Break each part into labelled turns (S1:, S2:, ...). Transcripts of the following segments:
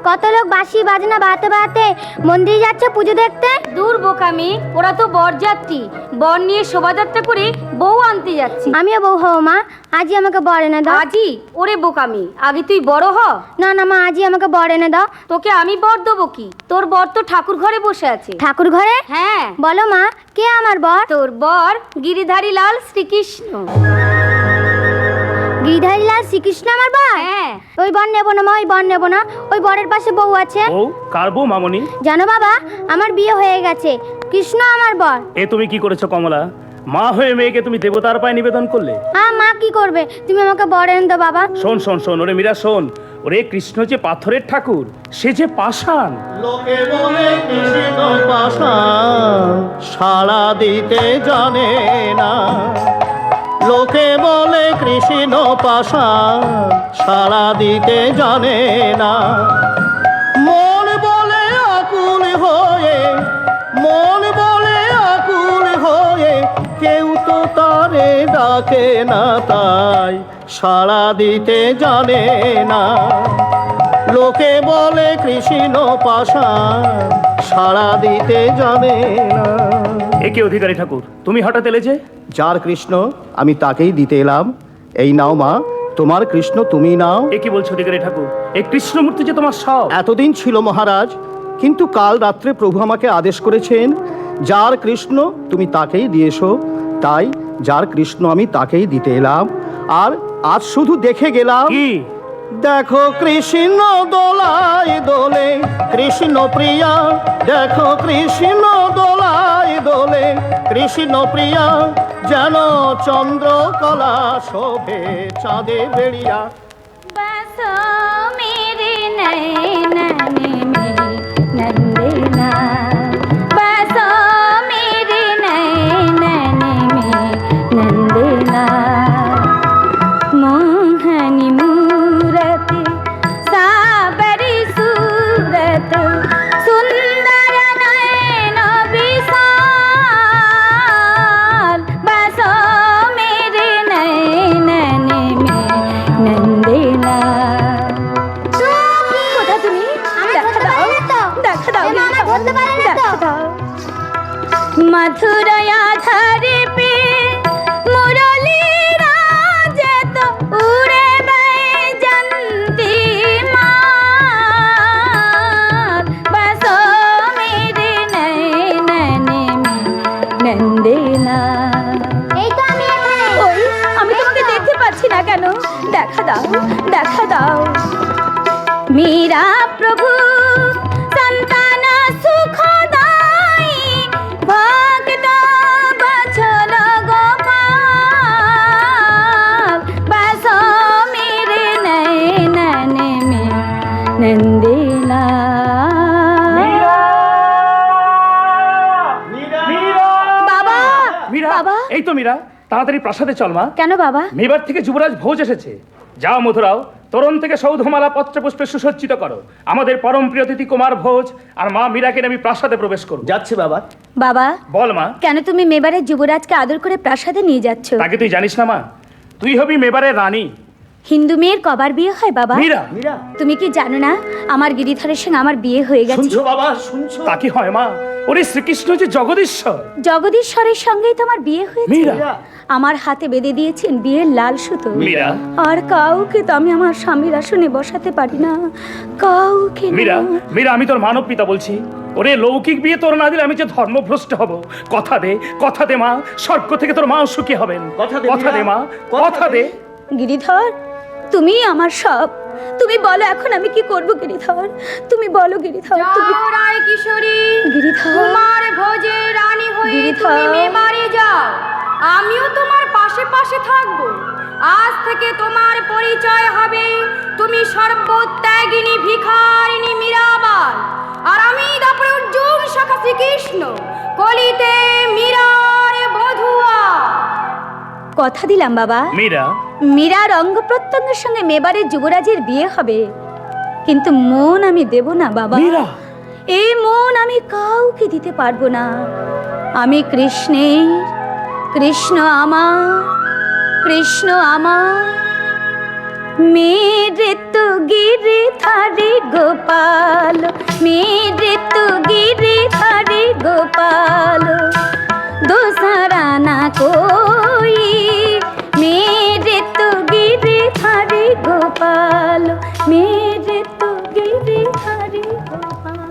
S1: কত লোক বাঁশি বাজনা বাজাতে বাজাতে মন্দিরে যাচ্ছে পুজো দেখতে।
S2: দূর বোকামি, ওরা তো বরযাত্রী, বর নিয়ে শোভাযাত্রা করে বউ আনতে যাচ্ছে।
S1: আমিও বউ হব মা, আজই আমাকে বর এনে দাও।
S2: আজি? ওরে বোকামি, আগে তুই বড় হ।
S1: না না মা, আজই আমাকে বর এনে দাও।
S2: তোকে আমি বর দেবো কি? তোর বর তো ঠাকুর ঘরে বসে আছে।
S1: ঠাকুর ঘরে?
S2: হ্যাঁ।
S1: বলো মা, কে আমার বর?
S2: তোর বর গিরিধারী লাল শ্রীকৃষ্ণ।
S1: গিরিধারী লাল শ্রীকৃষ্ণ আমার বর?
S2: হ্যাঁ।
S1: ওই বর নেবো না মা, ওই বর নেবো না। ওই বরের পাশে বউ আছে।
S3: ও কার বউ মামনি?
S1: জানো বাবা, আমার বিয়ে হয়ে গেছে, কৃষ্ণ আমার বর।
S3: এ তুমি কি করেছো কমলা? মা হয়ে মেয়েকে তুমি দেবতার পায়ে নিবেদন করলে।
S1: মা কি করবে, তুমি আমাকে বর এনে দাও বাবা।
S3: শোন শোন শোন, ওরে মীরা শোন, ওরে কৃষ্ণ যে পাথরের ঠাকুর, সে যে পাষাণ।
S4: লোকে বলে কৃষ্ণ পাষাণ, সাড়া দিতে জানে না। লোকে বলে কৃষ্ণ পাষাণ, সাড়া দিতে জানে না। মন বলে আকুল হয়ে, মন বলে আকুল হয়ে, কেউ তো তারে ডাকে না, তাই সাড়া দিতে জানে না। লোকে বলে কৃষ্ণ পাষাণ, সাড়া দিতে জানে না।
S3: একে অধিকারী ঠাকুর, তুমি হঠাৎ এলে যে?
S4: যার কৃষ্ণ আমি তাকেই দিতে এলাম। এই নাও মা, তোমার কৃষ্ণ তুমি নাও।
S3: এ কি বলছো অধিকারী ঠাকুর? এই কৃষ্ণমূর্তি যে তোমার সব।
S4: এতদিন ছিল মহারাজ, কিন্তু কাল রাত্রে প্রভু আমাকে আদেশ করেছেন যার কৃষ্ণ তুমি তাকেই দিয়েছো, তাই যার কৃষ্ণ আমি তাকেই দিতে এলাম। আর আজ শুধু দেখে গেলাম।
S3: কি?
S4: দেখো কৃষ্ণ দোলায় দোলে, কৃষ্ণ প্রিয়া, দেখো কৃষ্ণ দোলায় দোলে, কৃষ্ণ প্রিয়া, যেন চন্দ্রকলা শোভে চাঁদে বেড়িয়া।
S2: बसो मेरे नैनन में नंदना, बसो मेरे नैनन में नंदना। मोहनी मूरत साबरी सूरत, सुंदर नयन विशाल, बसो मेरे नैनन में नंदना। কোথা তুমি? দেখা দাও, দেখা দাও, দেখা দাও। मथुरा धरे पे मुरली राजत, उड़े बैजंती माल, बसो मेरे नैनन में नंदना।
S1: এই তো আমি এখানে।
S2: ওই আমি তোমাকে দেখতে পাচ্ছি না কেন? দেখা দাও, দেখা দাও। মীরা প্রভু সন্তান সুখদাই, ভক্ত বছর গোপাল, বসো মেরে নয়নন মে নন্দিলা। বাবা,
S3: মীরা,
S2: বাবা।
S3: এই তো মীরা, তাড়াতাড়ি প্রাসাদে চল মা।
S2: কেন বাবা?
S3: মেবার থেকে যুবরাজ ভোজ এসেছে। যাও মধুরাও, তরুণ থেকে সৌধমালা পত্রপুষ্পে সুসজ্জিত করো। আমাদের পরম প্রিয় অতিথি কুমার ভোজ আর মা মীরাকে আমি প্রাসাদে প্রবেশ করব।
S4: যাচ্ছে বাবা।
S2: বাবা,
S3: বল মা।
S2: কেন তুমি মেবারের যুবরাজকে আদর করে প্রাসাদে নিয়ে যাচ্ছ?
S3: তাকে তুই জানিস না মা? তুই হবি মেবারের রানী।
S2: হিন্দু মেয়ের কবার বিয়ে হয় বাবা?
S3: মীরা,
S4: মীরা,
S2: তুমি কি জানো না আমার গিরিধরের সঙ্গে আমার বিয়ে হয়ে গেছে?
S4: শুনছো বাবা, শুনছো?
S3: তা কি হয় মা? ওরে শ্রীকৃষ্ণ যে জগদীশ্বর।
S2: জগদীশ্বরের সঙ্গেই তো আমার বিয়ে হয়েছে।
S3: মীরা,
S2: আমার হাতে বেঁধে দিয়েছেন বিয়ের লাল সুতো।
S3: মীরা,
S2: আর কাউকে তো আমি আমার স্বামীর আসনে বসাতে পারি না, কাউকে না।
S3: মীরা, মীরা, আমি তোর মানব পিতা বলছি। ওরে লৌকিক বিয়ে তোর না দিলে আমি যে ধর্মভ্রষ্ট হব। কথা দে, কথা দে মা, স্বর্গ থেকে তোর মা সুখী হবেন।
S4: কথা দে,
S3: কথা দে
S4: মীরা,
S3: মা,
S4: কথা
S3: কথা দে।
S4: দে।
S2: গিরিধর, তুমি আমার সব। তুমি বলো এখন আমি কি করব গিরিধর? তুমি বলো গিরিধর। তুমি
S5: রায় কিশোরী
S2: গিরিধর,
S5: কুমার ভোজে রানী হয়ে
S2: গিরিধর।
S5: তুমি মেবারে যাও, আমিও তোমার পাশে পাশে থাকবো। আজ থেকে তোমার পরিচয় হবে তুমি সর্বত্যাগিনী ভিখারিণী মীরাবাই, আর আমি তারপরে অর্জুন শাখা শ্রীকৃষ্ণ, কলিতে মীরার বধুয়া।
S2: কথা দিলাম বাবা,
S3: মীরা,
S2: মীরার অঙ্গ প্রত্যঙ্গের সঙ্গে মেবারের যুবরাজের বিয়ে হবে, কিন্তু মন আমি দেব না বাবা।
S3: মীরা,
S2: এই মন আমি কাউকে দিতে পারবো না। আমি কৃষ্ণের, কৃষ্ণ আমার, কৃষ্ণ আমার। मेरे तो गिरधारी गोपाल, मेरे तो गिरधारी गोपाल, दूसरा ना कोई, मेरे तो गिरधारी गोपाल, मेरे तो गिरधारी गोपाल।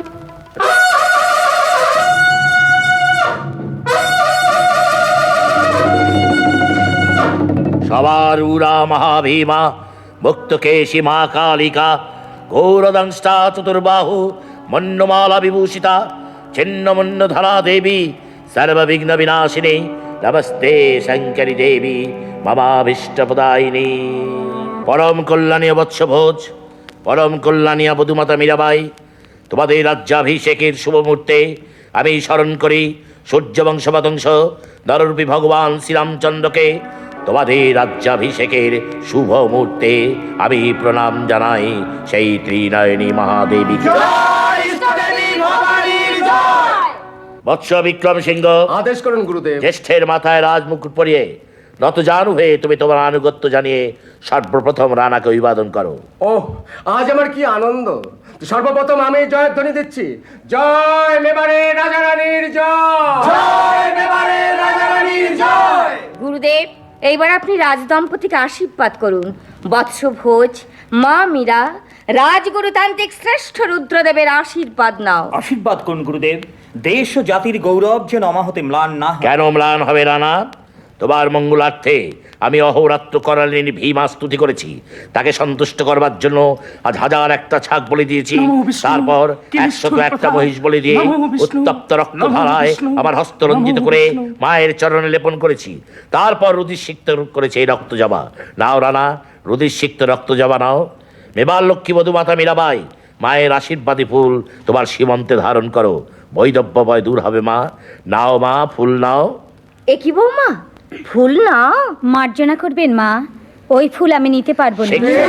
S6: সবার উরা মহাভীমা, মুক্তকেশী মা কালিকা, গৌরদংষ্টা চতুর্বাহু, মন্যমালা বিভূষিতা, ছিন্নমন্যধরা দেবী, সর্ববিঘ্ন বিনাশিনী, নমস্তে শঙ্করী দেবী মমাভীষ্টপ্রদায়িনী। পরম কল্যাণী বৎসভোজ, পরম কল্যাণী বধূমাতা মীরাবাই, তোমাদের রাজ্যাভিষেকের শুভ মুহূর্তে আমি স্মরণ করি সূর্যবংশবংশ নররূপী ভগবান শ্রীরামচন্দ্রকে। তোমাদের রাজ্যাভিষেকের শুভ মুহূর্তে আমি প্রণাম জানাই সেই ত্রিনয়নী মহাদেবীকে। বৎস বিক্রম সিংহ,
S7: আদেশ করুন গুরুদেব।
S6: জ্যেষ্ঠের মাথায় রাজমুকুট পরিয়ে নতজানু হয়ে তুমি তোমার আনুগত্য জানিয়ে সর্বপ্রথম রানাকে অভিবাদন করো।
S7: ওহ, আজ আমার কি আনন্দ! সর্বপ্রথম আমি জয়ধ্বনি দিচ্ছি, জয় মেবারের রাজা রানীর জয়, জয় মেবারের রাজা রানীর জয়।
S5: গুরুদেব, এইবার আপনি রাজদম্পতিকে আশীর্বাদ করুন। বৎস ভোজ, মা মীরা, রাজগুরুতান্ত্রিক শ্রেষ্ঠ রুদ্রদেবের আশীর্বাদ নাও।
S8: আশীর্বাদ করুন গুরুদেব, দেশ ও জাতির গৌরব যেন অমাহতে ম্লান না হয়।
S6: কেন ম্লান হবে রানা? তোমার মঙ্গলার্থে আমি অহোরাত্র করালিনী ভীমা স্তুতি করেছি। তাকে সন্তুষ্ট করবার জন্য আজ হাজার একটা ছাগ বলি দিয়েছি, তারপর 101টা মহিষ বলি দিয়ে উত্তপ্ত রক্ত ধারায় আমার হস্ত রঞ্জিত করে মায়ের চরণে লেপন করেছি। তারপর রুধিরসিক্ত করেছে এই রক্ত জবা। নাও রানা, রুধিরসিক্ত রক্ত জবা নাও। মেবার লক্ষ্মী বধূমাতা মীরাবাই, মায়ের আশীর্বাদী ফুল তোমার সীমন্তে ধারণ করো। বৈদব্য ভয় দূর হবে মা। নাও মা, ফুল নাও।
S5: এ কি বৌমা, ফুল নাও?
S2: মার্জনা করবেন মা, ওই ফুল আমি নিতে পারবো না।
S6: সে কি?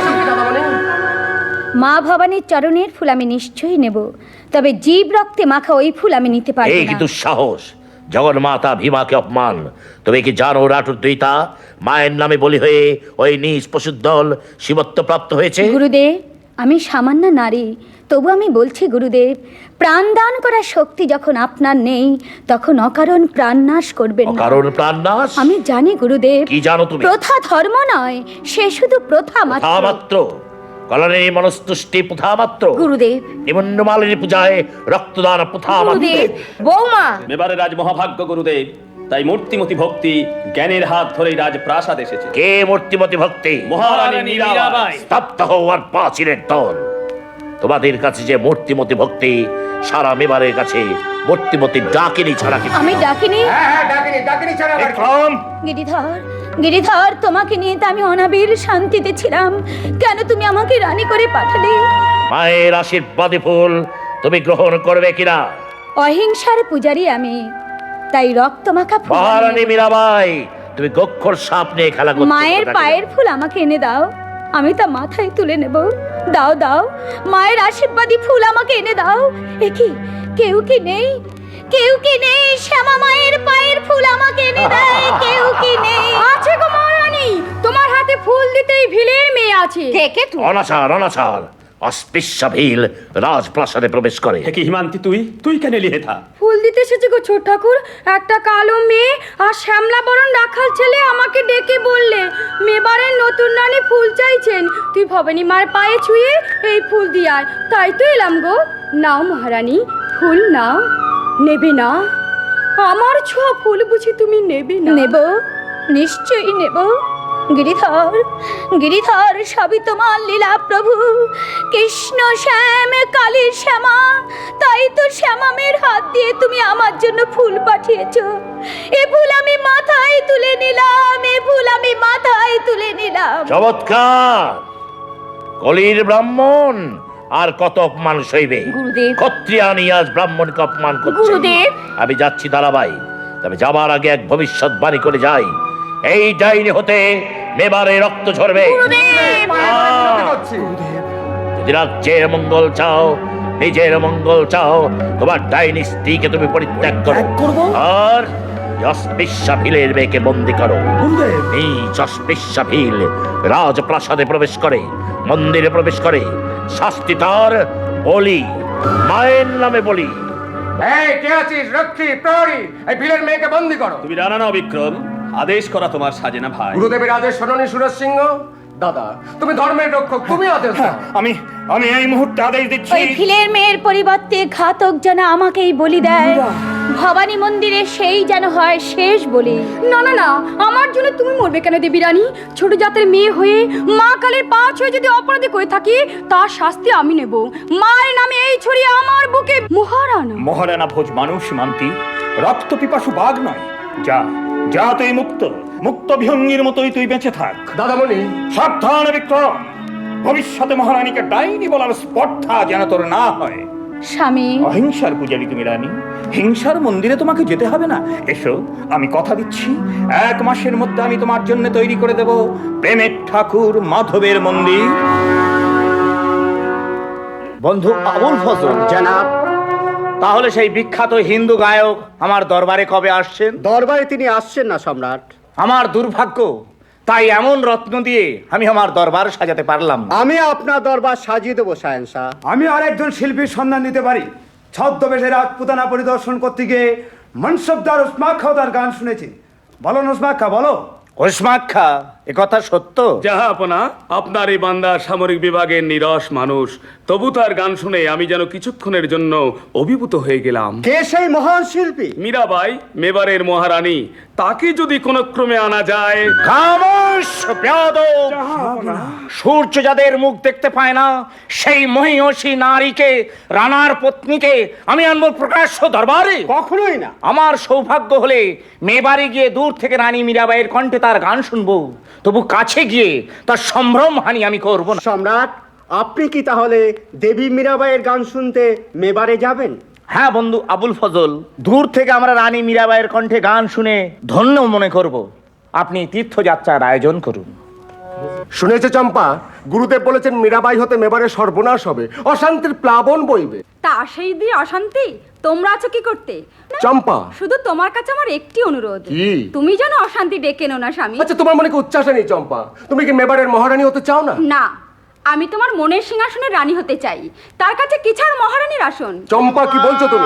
S2: মা ভবানীর চরণের ফুল আমি নিশ্চয়ই নেব, তবে জীব রক্তে মাখা ওই ফুল আমি নিতে পারবো
S6: এই কি
S2: না।
S6: দুঃসাহস! জগন্মাতা ভীমাকে অপমান! তুমি কি জানো রাটুর দইতা মায়ের নামে বলি হয়ে ওই নিজ পশুর দল শিবত্ব প্রাপ্ত হয়েছে?
S2: গুরুদেব, আমি সামান্য নারী, তবু আমি বলছি গুরুদেব, প্রাণ দান করার শক্তি যখন আপনার নেই, তখন অকারণ প্রাণনাশ করবেন না।
S6: কারণ প্রাণনাশ?
S2: আমি জানি গুরুদেব।
S6: কি জানো তুমি?
S2: প্রথা ধর্ম নয়, সে শুধু প্রথা মাত্র।
S6: প্রথা মাত্র? কলনের মনস্তুষ্টি প্রথা মাত্র?
S5: গুরুদেব,
S6: নিমন্নমালিনী পূজায় রক্তদান প্রথা মাত্র?
S5: গুরুদেব, বৌমা।
S9: মেবারে রাজ মহাভাগ্য গুরুদেব, তাই মূর্তিমতি ভক্তি জ্ঞানের হাত ধরেই রাজপ্রাসাদ এসেছে।
S6: কে মূর্তিমতি ভক্তি?
S9: মহারানী মীরাবাই।
S6: স্তব্ধ হওয়ার পাঁচিলের দল। তোমাদের কাছে যে মূর্তিমতি ভক্তি, সারা মেবারের কাছে মূর্তিমতি ডাকিনি ছাড়া কি?
S2: আমি ডাকিনি।
S7: হ্যাঁ, ডাকিনি ডাকিনি ছাড়া আবার কি?
S6: বিক্রম!
S2: গিরিধর, গিরিধর, তোমাকে নিয়ে তো আমি অনাবিল শান্তিতে ছিলাম, কেন তুমি আমাকে রানী করে পাঠালে?
S6: মায়ের আশীর্বাদী ফুল তুমি গ্রহণ করবে কিনা?
S2: অহিংসার পূজারী আমি, তাই রক্ত মাখা ফুল আমি
S6: মহারানী
S2: নেব।
S6: মীরাবাই, তুমি গক্ষর সাপ নিয়ে খেলা করছো।
S2: মায়ের পায়ের ফুল আমাকে এনে দাও, আমি তা মাথায় তুলে নেব। দাও দাও, মায়ের আশীর্বাদী ফুল আমাকে এনে দাও। এ কি, কেউ কি নেই? কেউ কি নেই? শ্যামা মায়ের পায়ের ফুল আমাকে এনে দেয়। কেউ কি নেই?
S5: আছে গো মহারানী, তোমার হাতে ফুল দিতেই ভিলের মেয়ে আছে। থেকে তুই
S6: অনাচার অনাচার! অস্পৃশ্য ভিল রাজপ্রাসাদে প্রবেশ করে।
S9: হে কি হিমান্তি, তুই কেন লিহে থা?
S5: ফুল দিতে এসেছে গো ছোট ঠাকুর। একটা কালো মেয়ে আর শ্যামলা বরণ রাখাল ছেলে আমাকে ডেকে বললে মেবারের নতুন রানী ফুল চাইছেন, তুই ভবানী মার পায়ে ছুঁয়ে এই ফুল দিয়ে আয়। তাই তো এলাম গো। নাও মহারানী, ফুল নাও। নেবে না? আমার ছোঁয়া ফুল বুঝি তুমি নেবে না?
S2: নেব, নিশ্চয়ই নেব। গিরিধর, গিরিধর, সবই তোমার লীলা প্রভু। কৃষ্ণ শ্যাম, কালী শ্যামা, তাই তো শ্যামামের হাত দিয়ে তুমি আমার জন্য ফুল পাঠিয়েছো। এ ফুল আমি মাথায় তুলে নিলাম, এ ফুল আমি মাথায় তুলে নিলাম।
S6: চমৎকার! কলির ব্রাহ্মণ আর কত অপমান সইবে?
S5: গুরুদেব।
S6: ক্ষত্রিয়ানি আজ ব্রাহ্মণকে অপমান করছে।
S5: গুরুদেব।
S6: আমি যাচ্ছি দাঁড়াবাই, তবে যাবার আগে এক ভবিষ্যৎবাণী করে যাই। এই ডাইনি হতে মেবারে রক্ত ঝরবে। যদি রাজ্যের মঙ্গল চাও, নিজের মঙ্গল চাও, তোমার ডাইনি স্ত্রীকে তুমি পরিত্যাগ করো। আর অস্পৃশ্যা ভিলের মেয়েকে বন্দি করো। নিজ অস্পৃশ্যা ভিল রাজপ্রাসাদে প্রবেশ করে, মন্দিরে প্রবেশ করে, শাস্তি তার বলি, মায়ের নামে বলি।
S7: এই কে আছিস? রক্ষী, প্রহরী, এই ভিলের মেয়েকে বন্দি করো।
S9: তুমি রানা নাও বিক্রম, আদেশ করা তোমার সাজে না ভাই।
S7: গুরুদেবের আদেশ শোনি সুরজ সিংহ। দাদা, তুমি ধর্মের রক্ষক, তুমি আদেশ দাও।
S8: আমি এই মুহূর্তে আদেশ দিচ্ছি।
S2: ওই ভিলের মেয়ের পরিবর্তে ঘাতক যেন আমাকেই বলি দেয়। ভবানী মন্দিরে সেই যেন হয় শেষ বলি।
S5: না না না, আমার জন্য তুমি মরবে কেন দেবী রানী? ছোট জাতের মেয়ে হয়ে মা কালের পা ছুঁয়ে যদি অপরাধী করে থাকি, তার শাস্তি আমি নেব। মায়ের নামে এই ছড়িয়ে আমার বুকে মহারানা।
S8: মহারানা ভোজ মানুষ মান্তি, রক্ত পিপাসু বাঘ নয়। যা যা, তুই মুক্ত, মুক্ত বিহঙ্গির মতোই তুই বেঁচে থাক।
S7: দাদামণি,
S8: সাবধান বিক্রম, ভবিষ্যতে মহারানীকে ডাইনি বলার স্পর্ধা যেন তোর না হয়।
S2: স্বামী,
S8: অহিংসার পূজারী তুমি রানী, হিংসার মন্দিরে তোমাকে যেতে হবে না। এসো, আমি কথা দিচ্ছি 1 মাসের মধ্যে আমি তোমার জন্য তৈরি করে দেব প্রেমের ঠাকুর মাধবের মন্দির।
S4: বন্ধু আবুল ফজল,
S10: জনাব, তাহলে সেই বিখ্যাত হিন্দু গায়ক আমার দরবারে কবে আসছেন?
S4: দরবারে তিনি আসছেন না সম্রাট।
S10: আমার দুর্ভাগ্য, তাই এমন রত্ন দিয়ে আমি আমার দরবার সাজাতে পারলাম না।
S4: আমি আপনার দরবার সাজিয়ে দেবো শাহেনশাহ।
S11: আমি আরেকজন শিল্পীর সন্ধান দিতে পারি। ছদ্মবেশে রাজপুতানা পরিদর্শন করতে গিয়ে মনসবদার উসমাক খাও তার গান শুনেছি। বলো উসমাক খা, বলো।
S10: ওসমাক্ষা, এ কথা সত্য?
S3: জাহাপনা, আপনার এই বান্দা সামরিক বিভাগের নিরস মানুষ, তবু তার গান শুনে আমি যেন কিছুক্ষণের জন্য অভিভূত হয়ে গেলাম।
S4: কে সেই মহান শিল্পী?
S3: মীরাবাই, মেবারের মহারানী, তাকে যদি কোনো ক্রমে আনা যায়।
S10: খামোশ বেয়াদব! সূর্য যাদের মুখ দেখতে পায় না, সেই মহিষী নারীকে, রানার পত্নীকে আমি আনবো প্রকাশ্য দরবারে?
S4: কখনোই না।
S10: আমার সৌভাগ্য হলে মেবারে গিয়ে দূর থেকে রানী মীরাবাইয়ের কণ্ঠে তার গান শুনবো, তবু কাছে গিয়ে তার সম্ভ্রম হানি আমি করবো না।
S4: সম্রাট, আপনি কি তাহলে দেবী মীরাবাইয়ের গান শুনতে মেবারে যাবেন?
S10: হ্যাঁ বন্ধু আবুল ফজল, দূর থেকে আমরা রানী মীরাবাইয়ের কণ্ঠে গান শুনে ধন্য মনে করব। আপনি তীর্থযাত্রার আয়োজন করুন।
S7: শুনেছে চম্পা, গুরুদেব বলেছেন মীরাবাই হতে মেবারের সর্বনাশ হবে, অশান্তির প্লাবন বইবে।
S5: তা সেই দিয়ে অশান্তি? তোমরা আছো কি করতে?
S7: চম্পা,
S5: শুধু তোমার কাছে আমার একটি অনুরোধ,
S7: কি?
S5: তুমি যেন অশান্তি ডেকে নো না স্বামী।
S7: আচ্ছা, তোমার মনে কি উচ্চাসা নেই চম্পা? তুমি কি মেবারের মহারানী হতে চাও না?
S5: না, আমি তোমার মনের সিংহাসনের রানী হতে চাই, তার কাছে কি ছাড় মহারানীর আসন।
S7: চম্পা, কি বলছো তুমি?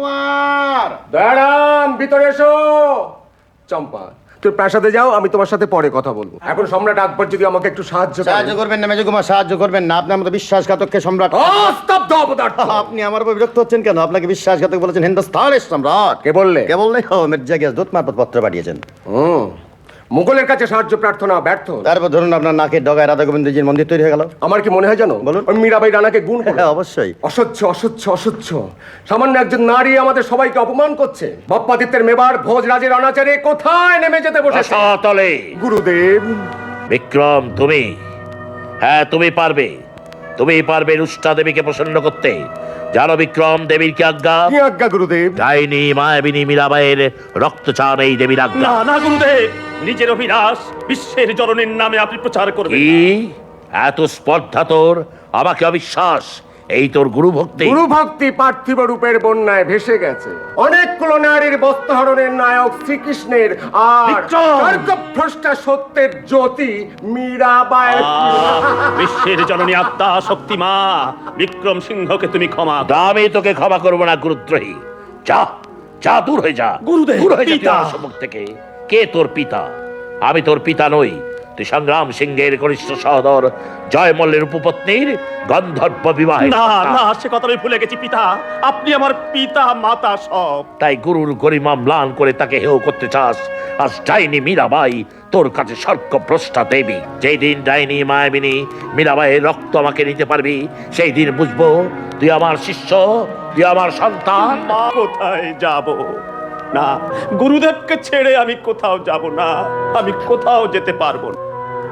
S7: দাঁড়ান, ভিতরে এসো। চম্পা, তুই প্রাসাদে যাও, আমি তোমার সাথে পরে কথা বলবো। এখন সম্রাট আকবর যদি আমাকে একটু সাহায্য
S4: করবেন না মেজকুমার, সাহায্য করবেন না। আপনার মতো বিশ্বাসঘাতককে সম্রাট।
S7: স্তব্ধ অপদার্থ!
S4: আপনি আমার উপর বিরক্ত হচ্ছেন কেন? আপনাকে বিশ্বাসঘাতক বলেছেন হিন্দুস্তানের সম্রাট।
S7: কে বললে?
S4: কে বললে? ও মির্জা গিয়াস দূত মারফত পত্র পাঠিয়েছেন।
S7: মুঘলের কাছে সাহায্য প্রার্থনা ব্যর্থ।
S4: তারপর ধরুন আপনার নাকের ডগায় রাধা গোবিন্দজির মন্দির তৈরি হয়ে গেল।
S7: আমার কি মনে হয় জানো?
S4: বলুন।
S7: ওই মীরাবাই রানাকে গুণ করে।
S4: হ্যাঁ, অবশ্যই।
S7: অসহ্য, অসহ্য, অসহ্য! সামান্য একজন নারী আমাদের সবাইকে অপমান করছে। বাপ্পাদিত্যের মেবার ভোজরাজের অনাচারে কোথায় নেমে যেতে বসেছে?
S6: রসাতলে।
S7: গুরুদেব!
S6: বিক্রম, তুমি, হ্যাঁ তুমি পারবে, তুমি পারবে রুষ্টা দেবীকে প্রসন্ন করতে। জানো বিক্রম, দেবীর কি আজ্ঞা?
S7: কি আজ্ঞা গুরুদেব?
S6: ডাইনি মায়াবিনী মীরাবাইয়ের রক্ত চান এই দেবীর আজ্ঞা।
S9: না না গুরুদেব, নিজের অভিলাষ বিশ্বের জননীর নামে আপনি প্রচার করবেন।
S6: কি এত স্পর্ধা তোর? আমাকে অবিশ্বাস? এই তোর গুরু ভক্তি?
S7: গুরু ভক্তি পার্থিব রূপের বন্যায় ভেসে গেছে। অনেকগুলো নারীর বস্ত্রহরণের নায়ক শ্রীকৃষ্ণের, আর
S9: বিক্রম!
S7: স্বর্গভ্রষ্টা সত্যের জ্যোতি মীরাবাই।
S9: বিশ্বের জননী আত্মা শক্তি মা বিক্রম সিংহকে তুমি ক্ষমা দাও।
S6: আমি তোকে ক্ষমা করবো না গুরুদ্রোহী। যা যা, দূর হয়ে যা।
S9: গুরুদেব,
S6: দূর হয়ে যা তুই
S9: পিতা।
S6: আমার সম্মুখ থেকে। কে তোর পিতা? আমি তোর পিতা নই। তুই সংগ্রাম সিংহের কনিষ্ঠ সহোদর জয় মল্লের উপপত্নীর গন্ধর্ব বিবাহ।
S9: না না, সে কথা আমি ভুলে গেছি পিতা, আপনি আমার পিতা মাতা সব।
S6: তাই গুরুর গরিমা ম্লান করে তাকে হেয় করতে চাস? আজ ডাইনি মীরাবাই তোর কাছে স্বর্গভ্রষ্টা দেবী। যেই দিন ডাইনি মায়াবিনী মীরাবাইয়ের রক্ত আমাকে নিতে পারবি, সেই দিন বুঝবো তুই আমার শিষ্য, তুই আমার সন্তান।
S9: মা, কোথায় যাব? না, গুরুদেবকে ছেড়ে আমি কোথাও যাব না, আমি কোথাও যেতে পারবো না।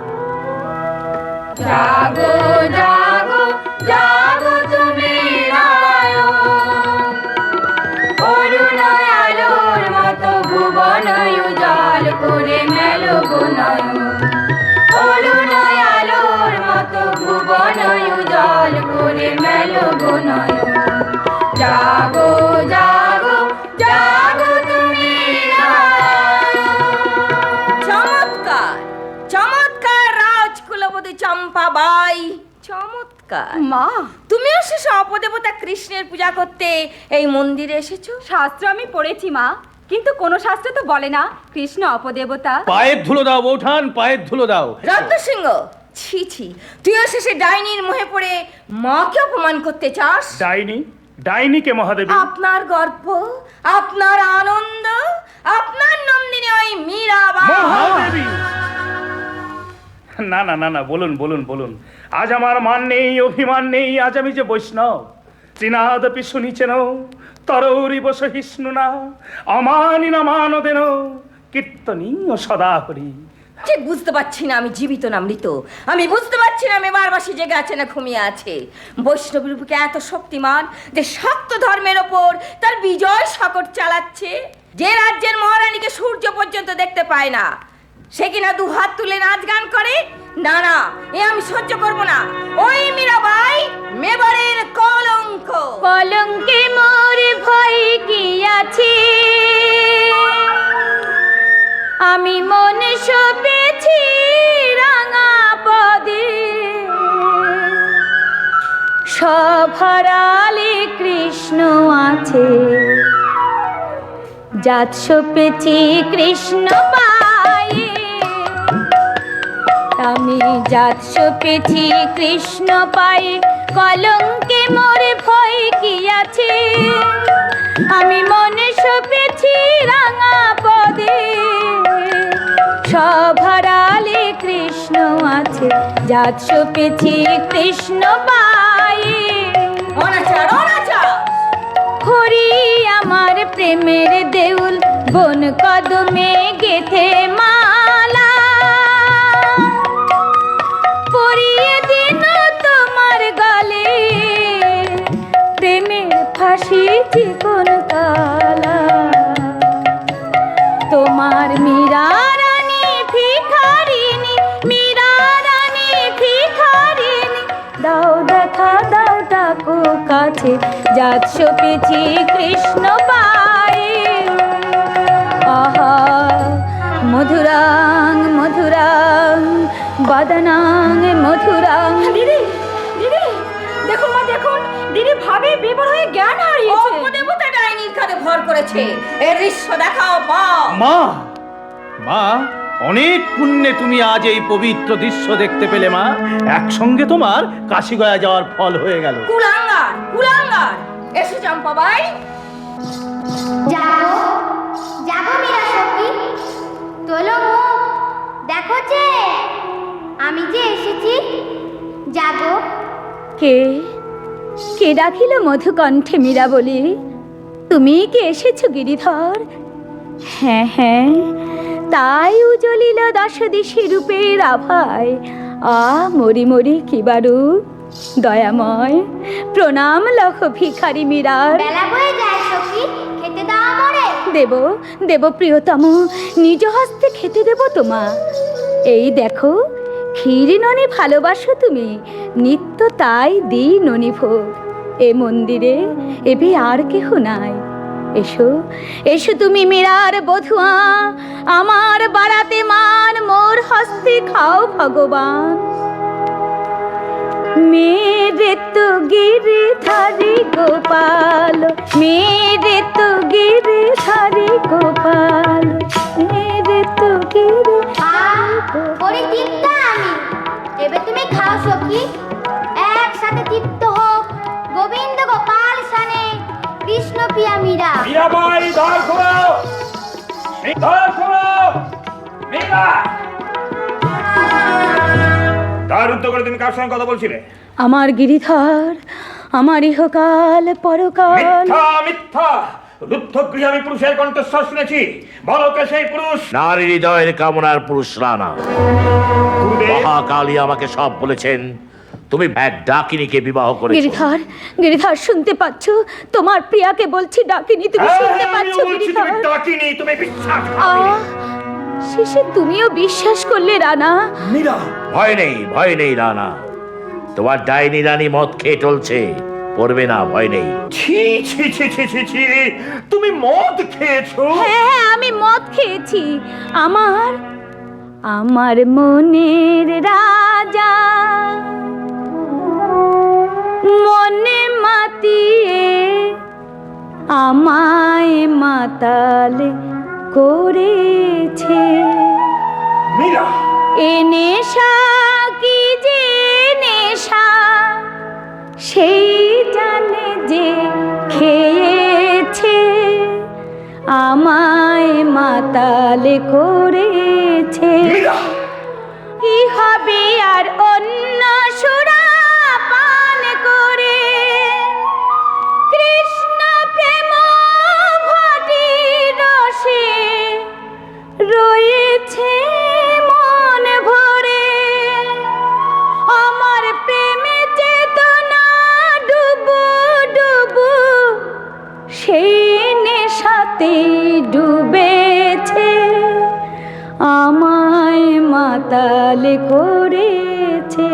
S5: জাগো জাগো জাগো তুমি নারায়ণ, অরুণ আলোর মতো ভুবন উজাল করে মেলো গুণয়ন, অরুণ আলোর মতো ভুবন উজাল করে মেলো গুণয়ন। জাগো জাগো জাগো তুমি নারায়ণ। মীরাবাই, চমৎকার।
S2: মা,
S5: তুমিও সে অপদেবতা কৃষ্ণের পূজা করতে এই মন্দিরে এসেছো?
S2: শাস্ত্র আমি পড়েছি মা, কিন্তু কোন শাস্ত্র তো বলে না কৃষ্ণ অপদেবতা।
S8: পায়ের ধুলো দাও বৌঠান, পায়ের ধুলো দাও।
S5: রত্নসিংহ, ছি ছি, তুইও শেষে ডাইনির মোহে পড়ে মাকে অপমান করতে চাস?
S3: ডাইনি? ডাইনিকে মহাদেবী?
S5: আপনার গর্ব, আপনার আনন্দ, আপনার নন্দিনী ওই মীরাবাই।
S3: মহাদেবী! না না না না, বলুন বলুন বলুন। আজ আমার মান নেই, অভিমান নেই, আজ আমি যে বৈষ্ণব। তৃণাদপি শুনিছেন তরৌরিব সহিষ্ণু না, অমানি না মানদেন কীর্তনী ও সদা হরি।
S5: ঠিক বুঝতে পারছি না আমি জীবিত না মৃত। আমি বুঝতে পারছি না মেবারবাসী জেগে আছে না ঘুমিয়ে আছে। বৈষ্ণবীর বুকে এত শক্তিমান যে শক্ত ধর্মের ওপর তার বিজয় শকট চালাচ্ছে। যে রাজ্যের মহারানীকে সূর্য পর্যন্ত দেখতে পায় না, সে কিনা দু হাত তুলে নাচ গান করে। না না, এ আমি সহ্য করব না। ওই মীরাবাই মেবারের কলঙ্ক।
S2: কলঙ্কে মোর ভয় কি আছে, আমি মনে সপেছি রাঙা পদে। সভারালে কৃষ্ণ আছে, জাত সপেছি কৃষ্ণ পায়ে। আমি জাত সপেছি কৃষ্ণ পায়ে, কলঙ্কে মোর ভয় কি আছে, আমি মনে সপেছি রাঙা পদে। সভারালে কৃষ্ণ আছে, জাত সপেছি কৃষ্ণ পায়ে।
S5: অনাচার অনাচার।
S2: হরি আমার প্রেমের দেউল, বন কদমে গেথে মালা। পরিয়ে দিন তোমার গলে, প্রেমের ফাঁসি চিকন তালা। তোমার মীরা রানী ভিখারিনী, মীরা রানী ভিখারিনী, দাও দেখা দাও ডাকো কাছে, জাত সপেছি কৃষ্ণ পায়ে। আহা মধুরাং মধুরাং বদনাং মধুরাং।
S5: দিদি দিদি, দেখুন মা দেখুন, দিদি ভাবে বিবর হয়ে জ্ঞান হারিয়েছে। অপদেবতা ডাইনির কাঁধে ভর করেছে। এর দৃশ্য দেখাও পাও।
S8: মা, মা, অনেক পুণ্যে তুমি আজ এই পবিত্র দৃশ্য দেখতে পেলে মা। একসঙ্গে তোমার কাশিগয়া যাওয়ার ফল হয়ে গেল।
S5: কুলাঙ্গার কুলাঙ্গার। এসো চম্পাবাই।
S1: যাবো যাবো মীরা সখী, তোলো মুখ, দেখো যে আমি যে এসেছি। যাবো।
S2: কে কে ডাকিল মধুকণ্ঠে মীরা বলি? তুমি কি এসেছো গিরিধর? হ্যাঁ হ্যাঁ, তাই উজ্জ্বলিল দশ দিশি রূপের আভায়। মরি মরি কিবারু দয়াময়, প্রণাম লহ ভিখারি মীরার।
S1: বেলা বয়ে যায় সখী, খেতে দাও আমারে।
S2: দেব দেব প্রিয়তম, নিজ হস্তে খেতে দেব তোমা। এই দেখো, ক্ষীর ননি ভালোবাসো তুমি, নিত্য তাই দিই ননি ভোগ। এ মন্দিরে এবে আর কেহ নাই। এসো এসো তুমি মীরার বধুয়া, আমার বাড়াতে মান, মোর হস্তে খাও ভগবান। মেরে তো গিরিধারি গোপাল, মেরে তো গিরিধারি গোপাল, মেরে তো
S1: ওরে তৃপ্তা আমি, এবে তুমি খাও সখী। একসাথে তৃপ্ত হোক গোবিন্দ গোপাল সানে কৃষ্ণ প্রিয়া মীরা।
S8: মীরাবাই, দ্বার খোলো, দ্বার খোলো, মীরা। দ্বার রুদ্ধ করে তুমি কার সঙ্গে কথা বলছিলে?
S2: আমার গিরিধর, আমার ইহকাল পরকাল।
S8: মিথ্যা মিথ্যা, রুদ্ধ গৃহে আমি পুরুষের কণ্ঠস্বর শুনেছি। বলো কে সেই পুরুষ?
S6: নারী হৃদয়ের কামনার পুরুষ রানা। মহাকালী আমাকে সব বলেছেন। তুমি এক ডাকিনীকে বিবাহ করেছো।
S2: গিরিধর, গিরিধর শুনতে পাচ্ছ? তোমার প্রিয়াকে বলছি ডাকিনি, তুমি শুনতে পাচ্ছ গিরিধর?
S8: ডাকিনি, তুমি বিশ্বাস করো।
S2: শেষে তুমিও বিশ্বাস করলে রানা?
S8: মীরা,
S6: ভয় নেই রানা। তোমার ডাইনি রানী মদ খেয়ে চলছে, পড়বে না, ভয় নেই।
S8: ছি ছি ছি ছি ছি ছি, তুমি মদ খেয়েছো?
S2: হ্যাঁ হ্যাঁ, আমি মদ খেয়েছি। আমার আমার মনের রাজা মনে মাতিয়ে আমায় মাতাল করেছে।
S8: মীরা,
S2: এ নেশা কি যে নেশা সেই জানে যে খেয়েছে, আমায় মাতাল করেছে। কি হবে আর অন্য সুরা পান করে, কৃষ্ণ প্রেম ঘটি রসে রয়েছে মন ভরে। আমার প্রেমে চেতনা ডুবু ডুবু সেই নেশাতে ডুবেছে, আমায় মাতাল করেছে।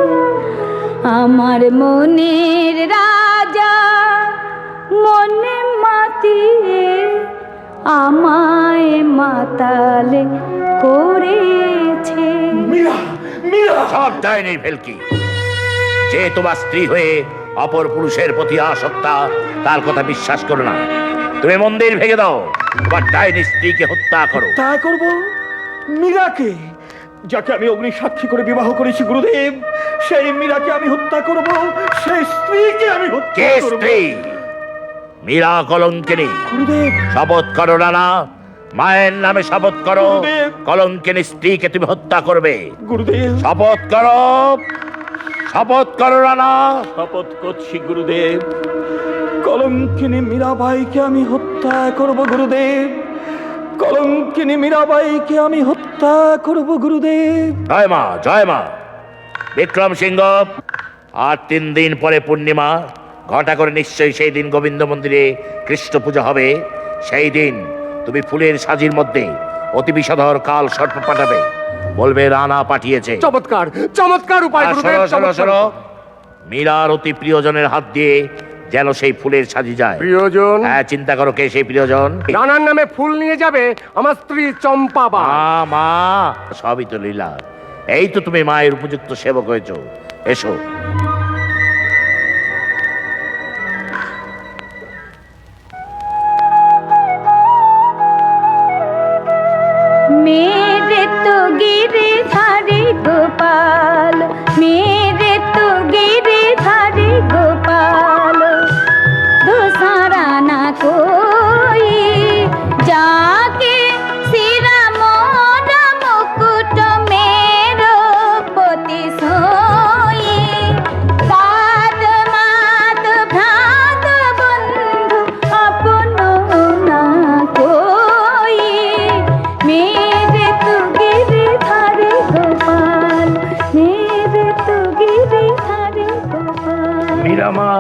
S2: আমার মনের রাজা মনে মাতিয়ে আমায় মাতাল করেছে।
S6: সব ডাইনি ভেলকি, যে তোমার স্ত্রী হয়ে অপর পুরুষের প্রতি আসক্তা তার কথা বিশ্বাস করো না। তুমি মন্দির ভেঙে দাও, তোমার ডাইনি স্ত্রীকে হত্যা করো।
S8: তাই করব। মীরাকে, যাকে আমি অগ্নি সাক্ষী করে বিবাহ করেছি গুরুদেব, সেই মীরাকে আমি হত্যা করব, সেই স্ত্রীকে আমি হত্যা
S6: কে
S8: করব।
S6: স্ত্রী? মীরা কলঙ্কিনী।
S8: গুরুদেব,
S6: শপথ করো রানা, মায়ের নামে শপথ করো,
S8: গুরুদেব।
S6: কলঙ্কিনী স্ত্রীকে তুমি হত্যা করবে।
S8: গুরুদেব,
S6: শপথ করো, শপথ করো রানা।
S8: শপথ করছি গুরুদেব, কলঙ্কিনী মীরাবাইকে আমি হত্যা করব গুরুদেব, কলঙ্কিনী মীরাবাইকে আমি হত্যা করব গুরুদেব।
S6: জয় মা, জয় মা। বিক্রম সিংহ, আর 3 দিন পরে পূর্ণিমা, ঘটা করে নিশ্চয়ই সেই দিন গোবিন্দ মন্দিরে কৃষ্ণ পূজা হবে। সেই দিন তুমি ফুলের সাজির মধ্যে অতি বিষধর কাল সর্প পাঠাবে, বলবে রানা পাঠিয়েছে।
S7: চমৎকার, চমৎকার উপায়
S6: আর
S7: গুরুদেব,
S6: শোনো শোনো
S7: চমৎকার।
S6: শোনো, মীরার অতি প্রিয়জনের হাত দিয়ে যেন সেই ফুলের সাজি যায়।
S7: প্রিয়জন?
S6: হ্যাঁ, চিন্তা করো কে সেই প্রিয়জন।
S7: রানার নামে ফুল নিয়ে যাবে আমার স্ত্রী চম্পাবা।
S6: মা, সবই তো লীলা। এই তো তুমি মায়ের উপযুক্ত সেবক হয়েছো, এসো।
S2: मेरे तो गिरधारी गोपाल, मेरे तो गिरधारी गोपाल, दूसरा ना कोई जाके सिरा मोरा मुकुट मेरो पोती सोई, साध मात भ्रात बंधु अपनो ना कोई, मेरे तो गिरधारी गोपाल, मेरे तो गिरधारी गोपाल।
S3: মীরা মা,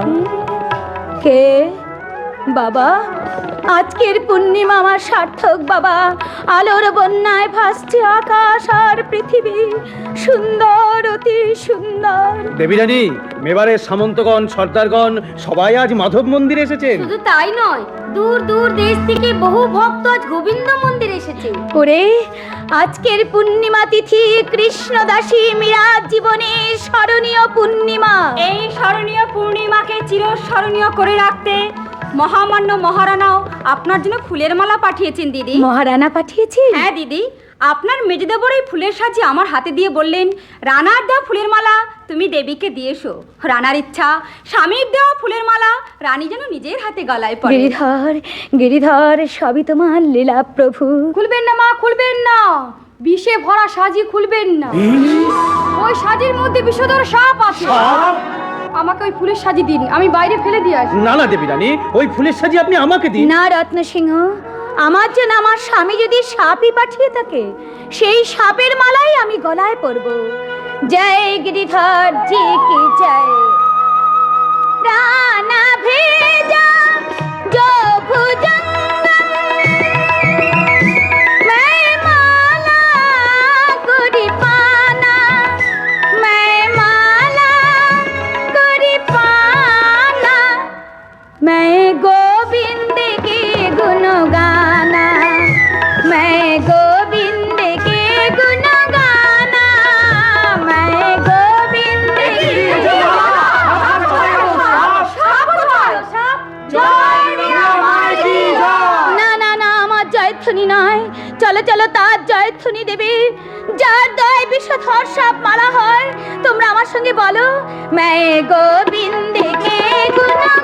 S2: কে বাবা? আজকের পূর্ণিমা আমার সার্থক বাবা। আলোর বন্যায় ভাসছে আকাশ আর পৃথিবী, সুন্দর অতি সুন্দর।
S4: দেবীরানী, মেবারের সামন্তগণ, সর্দারগণ সবাই আজ মাধব মন্দিরে এসেছেন।
S1: শুধু তাই নয়, দূর দূর দেশ থেকে বহু ভক্ত আজ গোবিন্দ মন্দিরে এসেছে।
S2: করে আজকের পূর্ণিমা তিথি কৃষ্ণদাসী মীরার জীবনের স্মরণীয় পূর্ণিমা।
S5: এই স্মরণীয় পূর্ণিমাকে চিরস্মরণীয় করে রাখতে মহামান্য মহারানাও আপনার জন্য ফুলের মালা পাঠিয়েছেন দিদি।
S2: মহারানা পাঠিয়েছি?
S5: হ্যাঁ দিদি, আপনার মেজদেবর এই ফুলের সাজি আমার হাতে দিয়ে বললেন, রানার দেওয়া ফুলের মালা তুমি দেবীকে দিয়ে এসো। রানার ইচ্ছা স্বামীর দেওয়া ফুলের মালা রানী যেন নিজের হাতে গলায় পড়ে।
S2: গিরিধর, গিরিধর, সবই তোমার লীলা প্রভু।
S5: খুলবেন না মা, খুলবেন না, বিষে ভরা সাজি খুলবেন না। ওই সাজির মধ্যে বিষধর সাপ আছে। আমাকে ওই ফুলের সাজি দিন, আমি বাইরে ফেলে দিয়ে আসি।
S4: না না দেবীরানী, ওই ফুলের সাজি আপনি আমাকে দিন।
S2: না রত্ন সিংহ, আমার জন্য আমার স্বামী যদি সাপই পাঠিয়ে থাকে, সেই সাপের মালাই আমি গলায় পরব। জয় গিরিধর জি কি জয়। রানা ভেজা जो भुजंगम मैं माला गुरी पाना, मैं माला गुरी पाना, मैं गोविंद के गुण गाना, मैं गोविंद के गुण জয়ধ্বনি নয়, চলো চলো তার জয়ধ্বনি দেবে, যার দয় বিষধর সাপ মারা হয়। তোমরা আমার সঙ্গে বলো, मैं गोविंद के गुना